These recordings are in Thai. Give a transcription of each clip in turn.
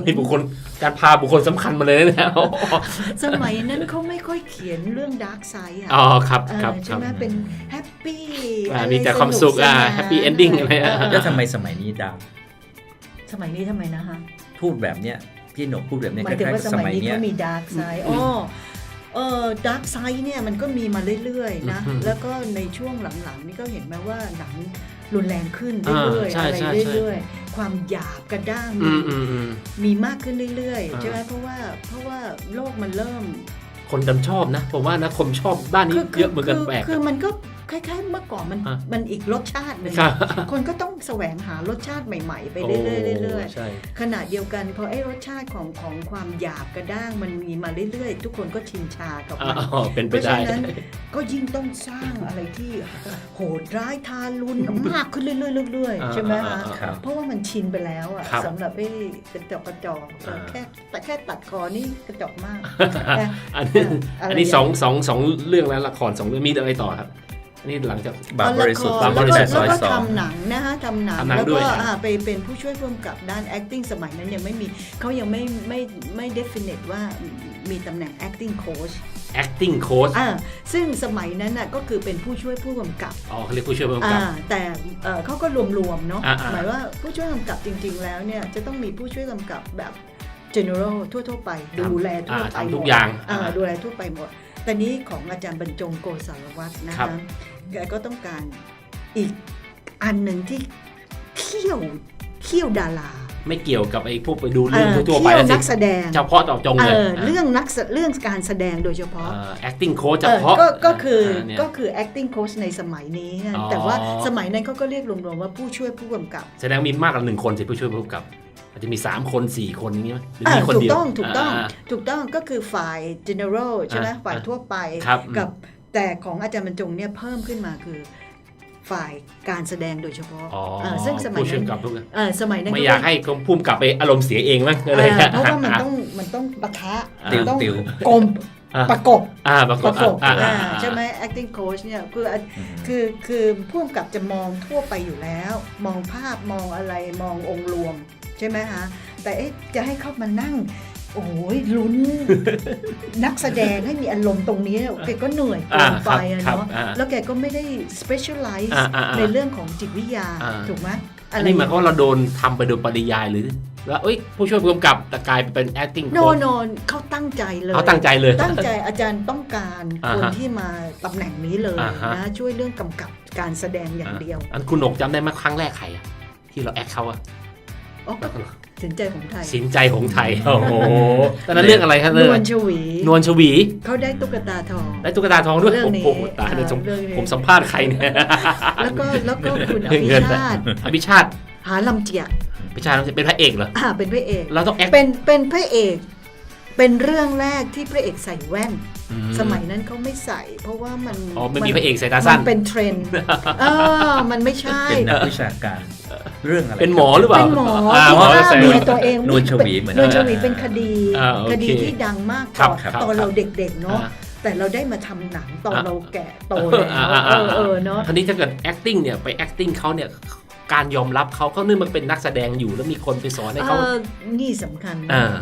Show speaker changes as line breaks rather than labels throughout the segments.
นี่บุคคลการพาบุคคลสำคัญมาเลยนะ
สมัยนั้นเขาไม่ค่อยเขียนเรื่องดาร์กไซด์อ่ะ
อ๋อครับครับ
ใช่ไหมเป็นแฮปปี้
มีแต่ความสุขแฮปปี้เอนดิ้งอะไร
แล้วทำไมสมัยนี้ดาว
สมัยนี้ทำไมนะฮะ
พูดแบบเนี้ยพี่หนกพูดแบบเนี้ย
ห
ค
มายถึง
ล้าย
ว่า
ๆกับ
ส
ส
มั
มั
ย
ย
นี้
เนี้ย
ก็มีดาร์กไซด์ดาร์กไซด์เนี่ยมันก็มีมาเรื่อยๆนะแล้วก็ในช่วงหลังๆนี่ก็เห็นไหมว่าหนังรุนแรงขึ้นเรื่อยๆอะไรเรื่อยๆความหยาบกระด้างมีมากขึ้นเรื่อยๆใช่ไหมเพราะว่าโลกมันเริ่ม
คนจำชอบนะผมว่านะคนชอบด้านนี้เยอะเหมือนกันแปลก
คือมันก็คล้ายๆเมื่อก่อนมันอีกรสชาติหนึ่งคนก็ต้องแสวงหารสชาติใหม่ๆไปเรื่อยๆขณะเดียวกันพอไอ้รสชาติของความหยาบกระด้างมันมีมาเรื่อยๆทุกคนก็ชินชากับมันเพราะฉะนั้นก็ยิ่งต้องสร้างอะไรที่โหดร้ายทารุณมากขึ้นเรื่อยๆใช่ไหมคะเพราะว่ามันชินไปแล้วอ่ะสำหรับไอ้กระจอกแค่ตัดคอนี่กระจอกมาก
อันนี้สองเรื่องแล้วละคร2 เรื่องมีอะไรต่อครับนี่หลังจาก
บางบริสุทธิ์
แล้ว
ซอย
ก็
สอง
ทำหนังนะคะทำหนังแล้วก็ไปเป็นผู้ช่วยผู้กำกับด้าน acting สมัยนั้นยังไม่มีเขายังไม่ definite ว่ามีตำแหน่ง acting coach
acting coach
ซึ่งสมัยนั้นน่ะก็คือเป็นผู้ช่วยผู้กำกับ
เขาเรียกผู้ช่วยผู้กำกับ
แต่เขาก็รวมๆเนาะหมายว่าผู้ช่วยกำกับจริงๆแล้วเนี่ยจะต้องมีผู้ช่วยกำกับแบบ general ทั่วๆไปดูแลทั่วไป
ทุกอย่าง
ดูแลทั่วไปหมดแต่นี้ของอาจารย์บรรจงโกศลวัฒน์นะคะแกก็ต้องการอีกอันหนึ่งที่เขี้ยวดารา
ไม่เกี่ยวกับไอ้พวกไปดูเรื่องทั่วไป
แล้วนักแสดง
เฉพาะต่อจงเลย
เรื่องการแสดงโดยเฉพาะ
acting coach เฉพาะ
ก็คือ acting coach ในสมัยนี้แต่ว่าสมัยนั้นเขาก็เรียกรวมๆว่าผู้ช่วยผู้กำกับ
แสดงมีมากกว่า1 คนสิผู้ช่วยผู้กำกับอาจจะมี3 คน 4 คนอย่างนี้ไหมหรือมีคนเดียว
ถูกต้องก็คือฝ่าย general ใช่ไหมฝ่ายทั่วไปกับแต่ของอาจารย์บรรจงเนี่ยเพิ่มขึ้นมาคือฝ่ายการแสดงโดยเฉพาะซึ่งสมัยนั้น
ไม่อยากให้พุ่มกลับไปอารมณ์เสียเองมั้งอะไร
เพราะว่ามันต้องปะทะต้องกลมประกบใช่ไหม acting coach เนี่ยคือผู้กำกับจะมองทั่วไปอยู่แล้วมองภาพมองอะไรมององค์รวมใช่ไหมฮะแต่จะให้เขามานั่งโอ้ยลุ้นนักแสดงให้มีอารมณ์ตรงนี้แกก็เหนื่อยเกินไปเนาะแล้วแกก็ไม่ได้ specialize ในเรื่องของจิตวิทยาถูกไหม
อันนี้หมายความว่าเราโดนทำไปโดยปริยายหรือว่าผู้ช่วยผู้กำกับแต่กลายเป็น acting
coach โนเขาตั้งใจเลย
ตั้งใจ
อาจารย์ต้องการคนที่มาตำแหน่งนี้เลยนะช่วยเรื่องกำกับการแสดงอย่างเดียว
อันคุณหนกจำได้ไหมครั้งแรกใครที่เราแอคเขา
สินใจของไทย
โอ้โหตอนนั้นเรื่องอะไรครับ
นวล
ชวี
เขาได้ตุ๊กตาทอง
ด้วยโอ้โหตายเลยผมสัมภาษณ์ใครเนี่ย
แล้วก็คุณอภิชาติหาลำเจีย
พิชาเป็นพระเอกเหรอ
เป็นพระเอก
เราต้องแอค
เป็นพระเอกเป็นเรื่องแรกที่พระเอกใส่แว่นสมัยนั้นเขาไม่ใส่เพราะว่ามัน
ไม่มีพระเอกใส่ตาสั้น
มันเป็นเทรนด์มันไม่ใช่
เป็นนักวิชาการเรื่องอะไร
เป็นหมอหรือเปล่า
เป็นหมอเมียตัวเอง
นวลชวีเหมือน
นวลชวีเป็นคดีที่ดังมากตอนเราเด็กๆเนาะแต่เราได้มาทำหนังตอนเราแก่โตแล้วเนาะ
ทีนี้ถ้าเกิด acting เนี่ยไป acting เขาเนี่ยการยอมรับเขาเนื่องมันเป็นนักแสดงอยู่แล้วมีคนไปสอนให้เขา
นี่สำคัญ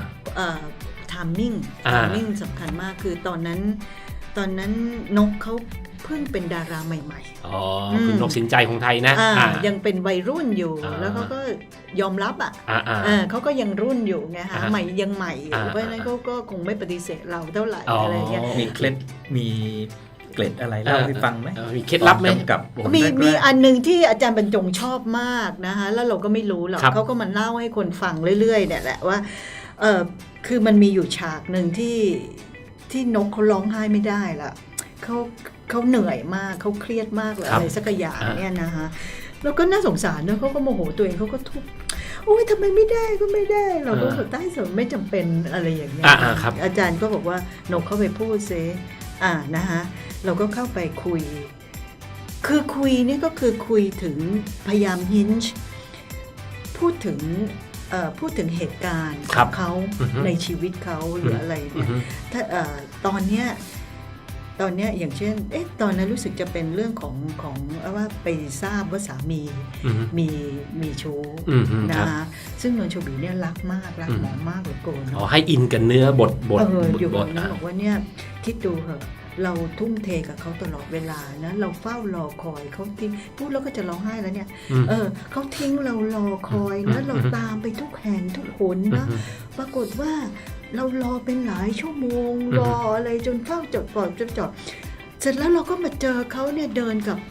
timing สำคัญมากคือตอนนั้นนกเขาเพิ่งเป็นดาราใหม่
ๆคือนกสินใจของไทยนะ
ยังเป็นวัยรุ่นอยู่แล้วเขาก็ยอมรับเขาก็ยังรุ่นอยู่ไงฮะใหม่ยังใหม่เพราะฉะนั้นเขาก็คงไม่ปฏิเสธเราเท่าไหร่อะไรเงี้ย
มีเคล็ดมีเกล็ดอะไรเล่าให้ฟังไหม
มีเคล็ดลับไหม
กับ
มีอันนึงที่อาจารย์บรรจงชอบมากนะคะแล้วเราก็ไม่รู้หรอกเขาก็มาเล่าให้คนฟังเรื่อยๆเนี่ยแหละว่าคือมันมีอยู่ฉากหนึ่งที่นกเขาร้องไห้ไม่ได้ละเขาเหนื่อยมากเขาเครียดมากเลยอะไรสักอย่างเนี่ยนะคะแล้วก็น่าสงสารนะเขาก็โมโหตัวเองเขาก็ทุบโอ้ยทำไมไม่ได้ก็ไม่ได้เราก็ใต้สนไม่จำเป็นอะไรอย่างเงี้ยอาจารย์ก็บอกว่านกเข้าไปพูดซินะคะเราก็เข้าไปคุยคือคุยนี่ก็คือคุยถึงพยายามฮินช์พูดถึงเหตุการณ์ของเขาในชีวิตเขาหรืออะไรเนี่ยถ้าตอนเนี้ยตอนเนี้ยอย่างเช่นตอนนั้นรู้สึกจะเป็นเรื่องของว่าไปทราบว่าสามี
อือฮึ
มีชู้
ครับ
นะซึ่งนนชบีเนี่ยรักมากรักหมอมากเหลือเกิน
อ๋อให้อินกับเนื้อบท
อยู่
บ
ตร
ท
งนั้นบอกว่าเนี่ยคิดดูเหอะเราทุ่มเทกับเขาตลอดเวลานะเราเฝ้ารอคอยเขาทิ้งพูดแล้วก็จะร้องไห้แล้วเนี่ยเขาทิ้งเรารอคอยนะเราตามไปทุกแห่งทุกหนนะปรากฏว่าเรารอเป็นหลายชั่วโมงรออะไรจนเฝ้าจดปลอดจนจอดเสร็จแล้วเราก็มาเจอเขาเนี่ยเดิน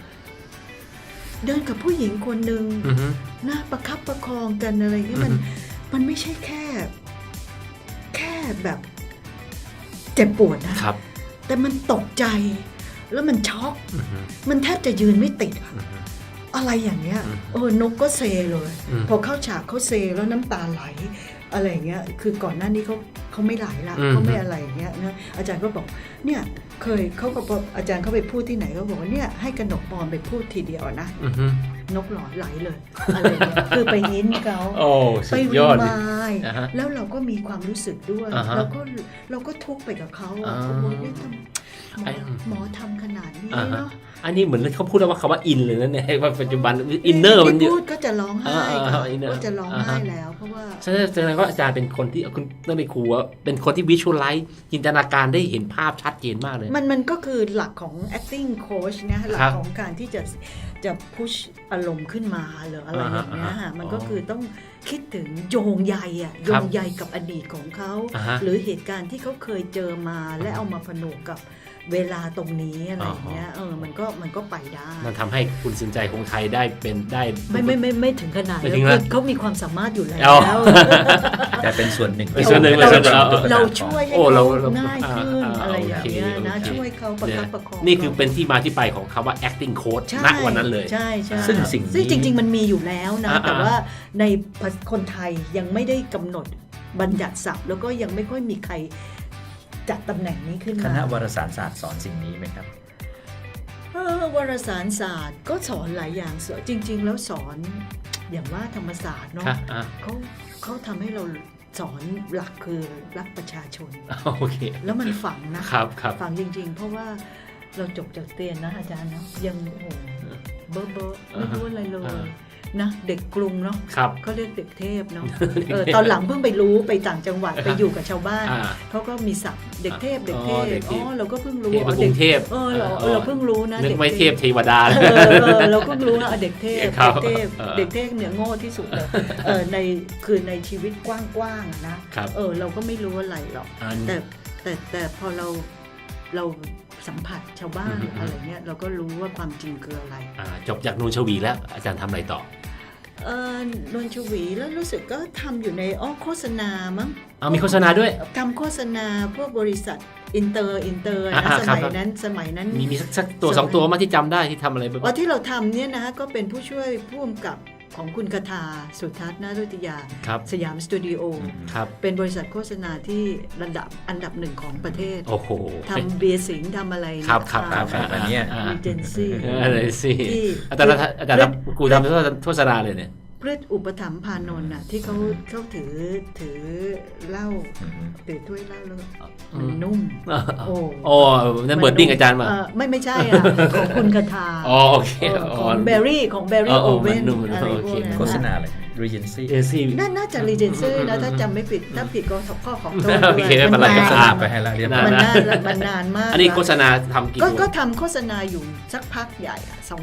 กับผู้หญิงคนหนึ่งนะประคับประคองกันอะไรเงี้ยมันไม่ใช่แค่แบบเจ็บปวดนะครับแต่มันตกใจแล้วมันช็อกมันแทบจะยืนไม่ติดอะไรอย่างเงี้ยนกก็เซเลยพอเข้าฉากเขาเซแล้วน้ำตาไหลอะไรเงี้ยคือก่อนหน้านี้เขาไม่ไหลละเขาไม่อะไรเงี้ยนะอาจารย์ก็บอกเนี่ยเขาก็บอกอาจารย์เขาไปพูดที่ไหนก็บอกว่าเนี่ยให้กนกปอมไปพูดทีเดียวนะนกหลอดไหลเลยอะไรเงี้ยคือไปยิ้นเขาไปรีมายแล้วเราก็มีความรู้สึกด้วยเราก็ทุกข์ไปกับเขาโอ้โหนี่หมอทำขนาดนี้เนาะ
อันนี้เหมือนเขาพูดว่าคำว่าอินเลยนะเนี่ยว่าปัจจุบันอินเนอร์มันเยอะ
พูดก็จะร้องไห้ก็จะร้องไห้แล้วเพราะว่า
แสดงว่าอาจารย์เป็นคนที่คุณต้องไปครูว่าเป็นคนที่วิชวลไลซ์จินตนาการได้เห็นภาพชัดเจนมากเลย
มันก็คือหลักของ acting coach นะหลักของการที่จะพุชอารมณ์ขึ้นมาหรืออะไรอย่างเงี้ยมันก็คือต้องคิดถึงโยงใยกับอดีตของเขาหรือเหตุการณ์ที่เขาเคยเจอมาและเอามาผนวกกับเวลาตรงนี้อะไรอย่างเงี้ยมันก็ไปได้
มันทำให้คุณสินใจคงไทยได้เป็นได้
ไม่ถึงขนาดเขามีความสามารถอยู่แล้ว
แต่เป็นส่วนหนึ่ง
เราช่วยให้เขาง่ายขึ้นอะไรอย่างเงี้ยนะช่วยเขาประคับประคอง
นี่คือเป็นที่มาที่ไปของคำว่า acting coach ณวันนั้นเลย
ใช่
ซึ่ง
จริงๆมันมีอยู่แล้วนะแต่ว่าในคนไทยยังไม่ได้กำหนดบัญญัติศัพท์แล้วก็ยังไม่ค่อยมีใครจัดตำแหน่งนี้ขึ้นมา
คณะวารสารศาสตร์สอนสิ่งนี้ไหมครับ
วารสารศาสตร์ก็สอนหลายอย่างจริงๆแล้วสอนอย่างว่าธรรมศาสตร์เนาะเขาทำให้เราสอนหลักคือรักประชาชน
โอเค
แล้วมันฝังนะครับฝังจริงๆเพราะว่าเราจบจากเรียนนะอาจารย์เนาะยังโอ้โหเบอร์ไม่รู้อะไรเลยนะเด็กกรุงเนาะเขาเรียกเด็กเทพเนาะตอนหลังเพิ่งไปรู้ไปต่างจังหวัดไปอยู่กับชาวบ้านเขาก็มีศัพท์เด็กเทพเราก็เพิ่งรู้
เด็กเทพ
เราเพิ่งรู้นะ
เด็กไม่เทพเทวดา
เราเพิ่งรู้นะเด็กเทพเนี่ยโง่ที่สุดเลยในชีวิตกว้างๆนะเราก็ไม่รู้อะไรหรอกแต่พอเราสัมผัสชาวบ้านอะไรเงี้ยเราก็รู้ว่าความจริงคืออะไร
จบจากนูนชวีแล้วอาจารย์ทำอะไรต่
อนนชวีแล้วรู้สึกก็ทำอยู่ในโฆษณามั้ง
มีโฆษณาด้วย
ทำโฆษณาพวกบริษัทอินเตอร์นะสมัยนั้น
มีสักตัว2ตัวมาที่จำได้ที่ทำอะไรบ้าง
ที่เราทำเนี่ยนะก็เป็นผู้ช่วยผู้กำกับของคุณคทาสุทัศน์นารุติยาสยามสตูดิโอเป็นบริษัทโฆษณาที่อันดับหนึ่งของประเทศทำเบียร์สิงห์ทำอะไร
อันนี้
รีเจนซี่
อะไรสิอาจารย์กูทำโฆษณาเลยเนี่ย
พืชอุปถัมภ์พานนท์น่ะที่เขาถือเหล้าถือถ้วยเหล้าแล้วมันนุ่ม
นั่นเบิร์ดดิ้งอาจารย์มา
ไม่ใช่ของคุณคทา
โอเค
ของเบอร์รี่โอเว่นอะไรพวกนั้น
โฆษณาอะไรRegency
น่าจะ Regency นะถ้าจำไม่ผิดถ้าผิดก็ข้อของโทษ
ด้วยมันนาน
ไปให้แล้วเรียบร้อย
มันนานมาก
อันนี้โฆษณาทำกี่
ก็ทำโฆษณาอยู่สักพักใหญ่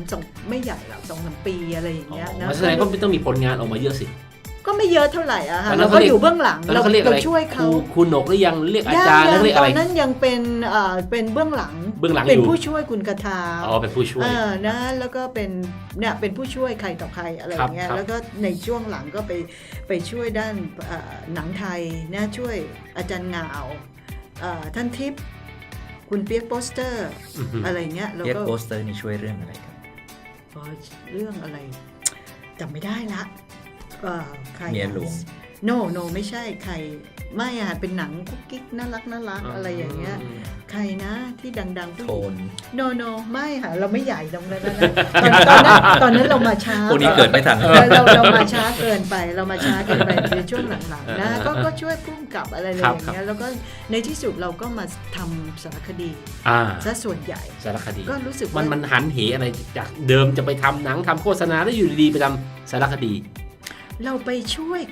2ไม่ใหญ่หรอก 2-3 ปีอะไรอย่างเงี้ยนะ
แสดงว่าต้องมีผลงานออกมาเยอะสิ
ก็ไม่เยอะเท่าไหร่อะค่ะเราก็อยู่เบื้องหลังเราช่วยเขา
คุณหนกหรือยังเรียกอาจารย์เรียกอะไร
ตอนนั้นยังเป็นเบื้องหลังเป็นผู้ช่วยคุณคทา
เป็นผู้ช่วย
นะแล้วก็เป็นผู้ช่วยใครต่อใครอะไรอย่างเงี้ยแล้วก็ในช่วงหลังก็ไปช่วยด้านหนังไทยนะช่วยอาจารย์เงาท่านทิพย์คุณเปียกโปสเตอร์อะไรเงี้ย
แล้วก็เปียกโปสเตอร์นี่ช่วยเรื่องอะไรครับ
เรื่องอะไรจำไม่ได้ละใคร
เมียหลวง
โนไม่ใช่ใครไม่อ่ะเป็นหนังกุ๊กกิ๊กน่ารักอะไรอย่างเงี้ยใครนะที่ดังๆผู้ห
โท
ญิง
น
โนไม่ค่ะเราไม่ใหญ่ตรงนั้นนะตอนนั้นเรามาช้า
พวกนี้เกิดไม่ทัน
เรามาช้าเกินไปในช่วงหลังๆนะก็ช่วยพุ่มกับอะไรอย่างเงี้ยแล้วก็ในที่สุดเราก็มาทำสารคดีซะส่วนใหญ่
สารคดี
ก็รู้สึก
มันหันเหอะไรจากเดิมจะไปทำหนังทำโฆษณาแล้วอยู่ดีๆไปทำสารคดี
เราไปช่วย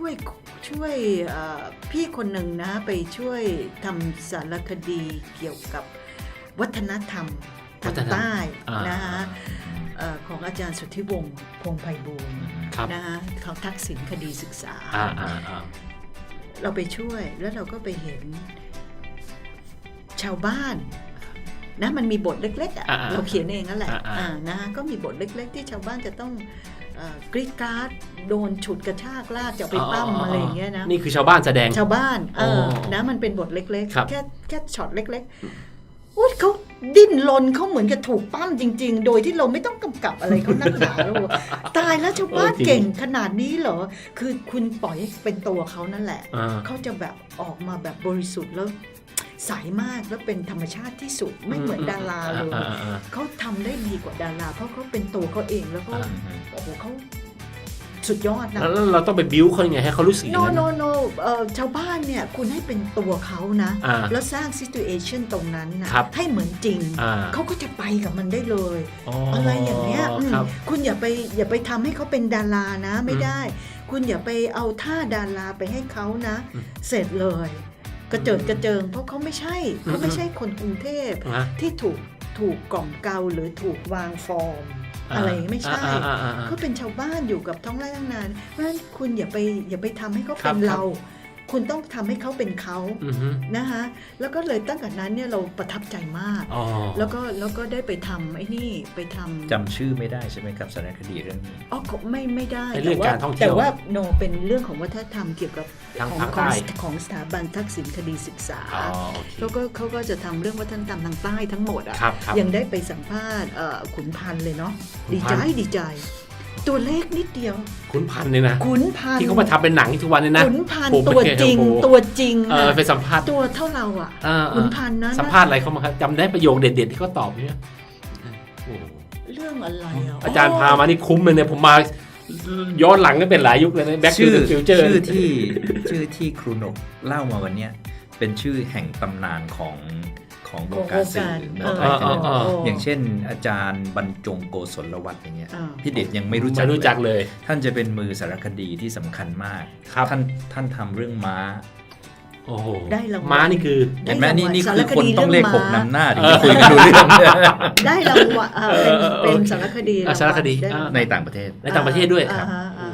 พี่คนหนึ่งนะไปช่วยทำสารคดีเกี่ยวกับวัฒนธรรมทางใต้นะฮะของอาจารย์สุทธิวงศ์พงษ์ไพบูลย์นะฮะของทักษิณคดีศึกษาเราไปช่วยแล้วเราก็ไปเห็นชาวบ้านนะมันมีบทเล็กๆเราเขียนเองนั่นแหละนะก็มีบทเล็กๆที่ชาวบ้านจะต้องกรีดกราดโดนฉุดกระชากลากจะไปปั้มอะไรอย่างเงี้ยนะ
นี่คือชาวบ้านแสดง
ชาวบ้านนะมันเป็นบทเล็กๆแค่ช็อตเล็กๆอุ๊ยเขาดิ้นรนเขาเหมือนกับถูกปั้มจริงๆโดยที่เราไม่ต้องกำกับอะไรเขานักหนาแล้วตายแล้วชาวบ้านเก่งขนาดนี้เหรอคือคุณปล่อยให้เป็นตัวเขานั่นแหละเขาจะแบบออกมาแบบบริสุทธิ์แล้วใสมากแล้วเป็นธรรมชาติที่สุดไม่เหมือนดาราเลยเขาทำได้ดีกว่าดาราเพราะเขาเป็นตัวเขาเองแล้วก็โอ้โหเขาสุดยอดนะ
แล้วเราต้องไปบิ้วเขายังไงให้เขารู้สึกอย่างนั้น
no ชาวบ้านเนี่ยคุณให้เป็นตัวเขานะแล้วสร้าง situation ตรงนั้นนะให้เหมือนจริงเขาก็จะไปกับมันได้เลยอะไรอย่างเงี้ยคุณอย่าไปทำให้เขาเป็นดารานะไม่ได้คุณอย่าไปเอาท่าดาราไปให้เขานะเสร็จเลยกระเจิดกระเจิงเพราะเขาไม่ใช่คนกรุงเทพที่ถูกกล่อมเกลาหรือถูกวางฟอร์มอะไรไม่ใช่เขาเป็นชาวบ้านอยู่กับท้องไร่ท้องนาเพราะฉะนั้นคุณอย่าไปทำให้เขาเป็นเราคุณต้องทำให้เขาเป็นเขานะคะแล้วก็เลยตั้งแต่นั้นเนี่ยเราประทับใจมากแล้วก็ได้ไปทำไอ้นี่ไปทำ
จำชื่อไม่ได้ใช่ไหมครับสารคดีเรื่องนี้
ไม่ได้
แต่
ว่าโนเป็นเรื่องของวัฒนธรรมเกี่ยวกับของสถาบันทักษิณคดีศึกษาแล้วก็เขาก็จะทำเรื่องวัฒนธรรมทางใต้ทั้งหมดอ่ะยังได้ไปสัมภาษณ์ขุนพันธ์เลยเนาะดีใจตัวเลขนิดเดียว
ขุนพันธ์เนี่ยนะ
ขุนพันธ์
ที่เขามาทำเป็นหนังทุกวันเนี่ยนะ
ขุนพันธ์ตัวจริง
ไปสัมภาษณ์
ตัวเท่าเราอ่ะขุนพันธ์นั้น
สัมภาษณ์อะไรเขามาจำได้ประโยคเด็ดๆที่เขาตอบเนี่ย
เรื่องอะไร
อาจารย์พามานี่คุ้มเลยเนี่ยผมมาย้อนหลังก็เป็นหลายยุคเลยนะแบ็คทูเดอะฟิวเจอร์
ชื่อที่ครูนกเล่ามาวันนี้เป็นชื่อแห่งตำนานของวงการสื่อเมืองไทยอย่างเช่นอาจารย์บรรจงโกศลวัฒน์อย่างเงี้ยพี่เดชยังไม่รู้จัก
เลย
ท่านจะเป็นมือสารคดีที่สำคัญมากท่านทำเรื่องม้า
โอ้โหม้านี่คือ
เห็นไหมนี่คือคนต้องเลข6นำหน้าถึงจะคุยกันรู้เรื่อง
ได้รางวัลเป็นสารคดี
ในต่างประเทศ
ด้วยครับ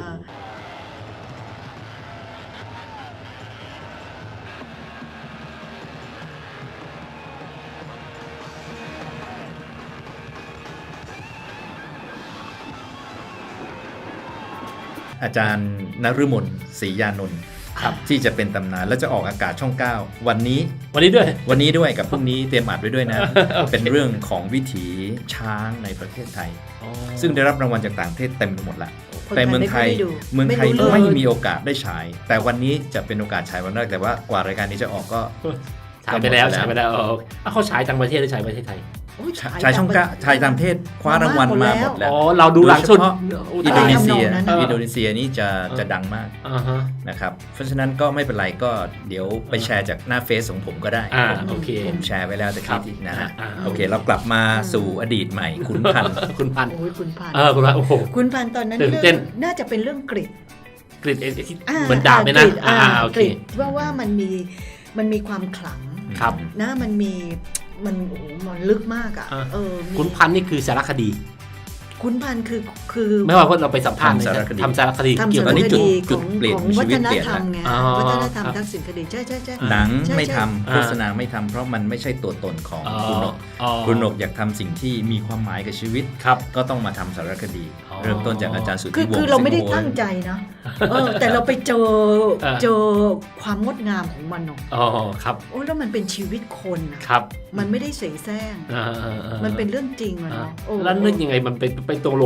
อาจารย์นฤมลศรียานนท์ที่จะเป็นตำนานและจะออกอากาศช่อง9วันนี้ด้วยกับพรุ่งนี้เตรียมอัดไว้ด้วยนะ เป็นเรื่องของวิถีช้างในประเทศไทยซึ่งได้รับรางวัลจากต่างประเทศเต็มไปหมดละแต่เมืองไทยไม่มีโอกาสได้ฉายแต่วันนี้จะเป็นโอกาสฉายวันแรกแต่ว่ากว่ารายการนี้จะออกก็
ฉายไปแล้วเขาฉายต่างประเทศหรือฉายประเทศไทย
ชายช่องชายต่างประเทศคว้ารางวัลมาหมดแล้ว
เราดูหลังสุด
อินโดนีเซียนี่จะดังมากนะครับเพราะฉะนั้นก็ไม่เป็นไรก็เดี๋ยวไปแชร์จากหน้าเฟซของผมก็ได้ผมแชร์ไว้แล้วแต่คิดอีกนะฮะโอเคเรากลับมาสู่อดีตใหม่ขุนพันธ์
ขุนพันธ์โอ้โหขุนพันธ์ตอนนั้นน่าจะเป็นเรื่องกรีด
เหมือนดาบเลยนะ
กรีดว่ามันมีความขลังนะมันโอ้โหมันลึกมากอ่ะ
ขุนพันธ์นี่คือสารคดี
ขุนพันธ์คือ
ไม่ว่าเราไปสัมภาษณ์ทำสารคดี
เกี่ยวกับจุดเปลี่ยนชีวิตเปลี่ยนวัฒนธรรมทักษิณคดีใช่
หนังไม่ทำโฆษณาไม่ทำเพราะมันไม่ใช่ตัวตนของคุณนกอยากทำสิ่งที่มีความหมายกับชีวิตก็ต้องมาทำสารคดีเริ่มต้นจากอาจารย์สุทธิวงศ์
คือเราไม่ได้ตั้งใจนะแต่เราไปเจอความงดงามของมันเนาะ
ครับ
โอ้แล้วมันเป็นชีวิตคนนะครับมันไม่ได้เสแสร้งมันเป็นเรื่องจริงอะเนาะ
แล้วนึกยังไงมันไปตรงลงขุนพันธ์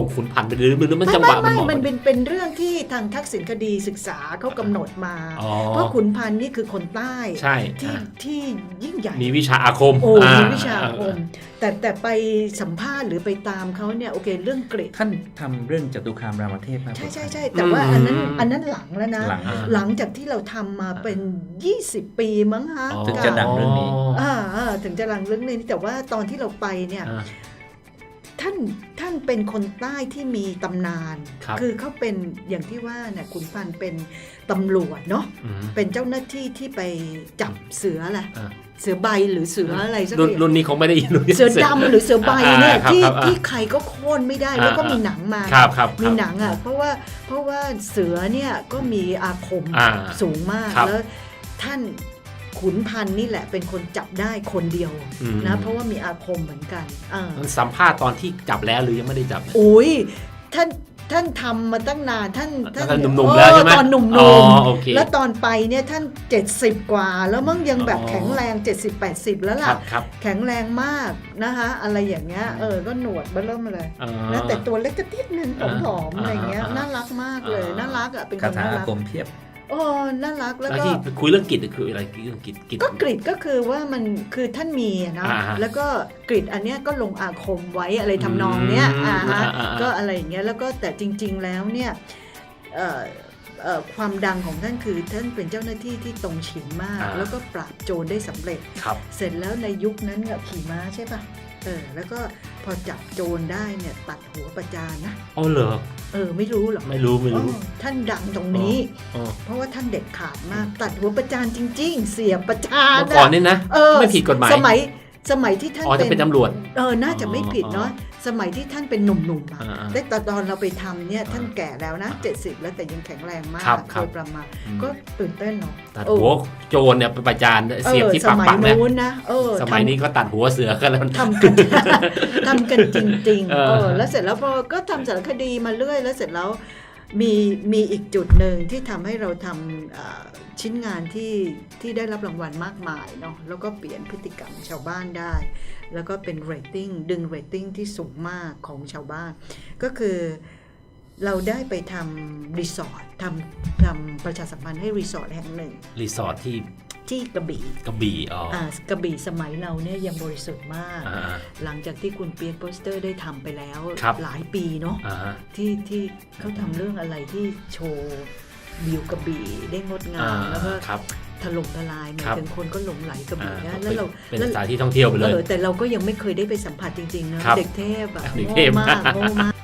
ไปหรือมันจังหวะมันเหมาะ
มันเป็นเรื่องที่ทางทักษิณคดีศึกษาเขากำหนดมา เพราะขุนพันธ์นี่คือคนใต้
ใช่
ที่ยิ่งใหญ่
มีวิชาอาคม
มีวิชาอาคมแต่ไปสัมภาษณ์หรือไปตามเขาเนี่ยโอเคเรื่องเกรด
ท่านทำเรื่องจตุคามรามเทพมา
ใช่แต่ว่าอันนั้นหลังแล้วนะ หลังจากที่เราทำมาเป็น20 ปีมั้งฮะ
ถึงจะดังเรื่องนี้
ถึงจะดังเรื่องนี้แต่ว่าตอนที่เราไปเนี่ยท่านเป็นคนใต้ที่มีตำนาน คือเขาเป็นอย่างที่ว่าเนี่ยขุนพันธ์เป็นตำรวจเนาะเป็นเจ้าหน้าที่ที่ไปจับเสือแหละเสือใบหรือเสืออะไรสักอย่าง
รุ่นนี้คงไม่ได้ยิน
เสือดำหรือเสือใบเนี่ยที่ใครก็โค่นไม่ได้แล้วก็มีหนังมามีหนังอ่ะเพราะว่าเสือเนี่ยก็มีอาคมสูงมากแล้วท่านขุนพันธ์นี่แหละเป็นคนจับได้คนเดียวนะเพราะว่ามีอาคมเหมือนกัน
สัมภาษณ์ตอนที่จับแล้วหรือยังไม่ได้จับ
โอ้ยท่านทำมาตั้งนานท่าน
หนุ่มๆแล้วใช่ไหม
ตอนหนุ่มๆแล้วตอนไปเนี่ยท่าน70กว่าแล้วมั่งยังแบบแข็งแรง70-80แล้วล่ะแข็งแรงมากนะคะอะไรอย่างเงี้ยก็หนวดเบิ่มเลยนะแต่ตัวเล็กกระติ๊ดนึงผอมๆอะไรเงี้ยน่ารักมากเลยน่ารักอ่ะเป็นคนน่ารัก
คาถาอาคมเพียบ
น่ารักแล้วก็
คุยเรื่องกิจคืออะไรเรื่องกิจ
ก็กริดก็คือว่ามันคือท่านมีนะแล้วก็กริดอันเนี้ยก็ลงอาคมไว้อะไรทำนองเนี้ยก็อะไรอย่างเงี้ยแล้วก็แต่จริงๆแล้วเนี่ยความดังของท่านคือท่านเป็นเจ้าหน้าที่ที่ตรงฉินมากแล้วก็ปราบโจรได้สำเร็จเสร็จแล้วในยุคนั้นขี่ม้าใช่ป่ะแล้วก็พอจับโจรได้เนี่ยตัดหัวประจานนะ
เหรอ
ไม่รู้หรอก
ไม่รู้
ท่านดังตรงนี้เพราะว่าท่านเด็ดขาดมากตัดหัวประจานจริงๆเสียประจาน
ก่อนนี่นะไม่ผิดกฎหมาย
สมัยที่ท่าน
เป็นตำรวจ
น่าจะไม่ผิดเนาะสมัยที่ท่านเป็นหนุ่มๆแต่ตอนเราไปทำเนี่ยท่านแก่แล้วนะ70แล้วแต่ยังแข็งแรงมากโดยประมาณก็ตื่นเต้นเนาะ
ตัดหัวโจรเนี่ยประจานเสียบที่ปาก
นะ
สมัยนี้ก็ตัดหัวเสือกันแล้ว
ทำกันจริงๆแล้วเสร็จแล้วพอก็ทำสารคดีมาเรื่อยแล้วเสร็จแล้วมีอีกจุดหนึ่งที่ทำให้เราทำชิ้นงานที่ได้รับรางวัลมากมายเนาะแล้วก็เปลี่ยนพฤติกรรมชาวบ้านได้แล้วก็เป็นเรตติ้งดึงเรตติ้งที่สูงมากของชาวบ้านก็คือเราได้ไปทำรีสอร์ททำประชาสัมพันธ์ให้รีสอร์ทแห่งหนึ่ง
รีสอร์ท
ที่กระบี่
กระบี่
สมัยเราเนี่ยยังบริสุทธิ์มากหลังจากที่คุณเปียกโปสเตอร์ได้ทำไปแล้วหลายปีเนาะที่เขาทำเรื่องอะไรที่โชว์วิวกระบี่ได้งดงามแล้วก็ถล่มทลายหมายถึงคนก็หลงไหลกระบี่นะแล้วเรา
เป็นสถานที่ท่องเที่ยวไปเลย
แต่เราก็ยังไม่เคยได้ไปสัมผัสจริงๆนะเด็กเทพโง่มาก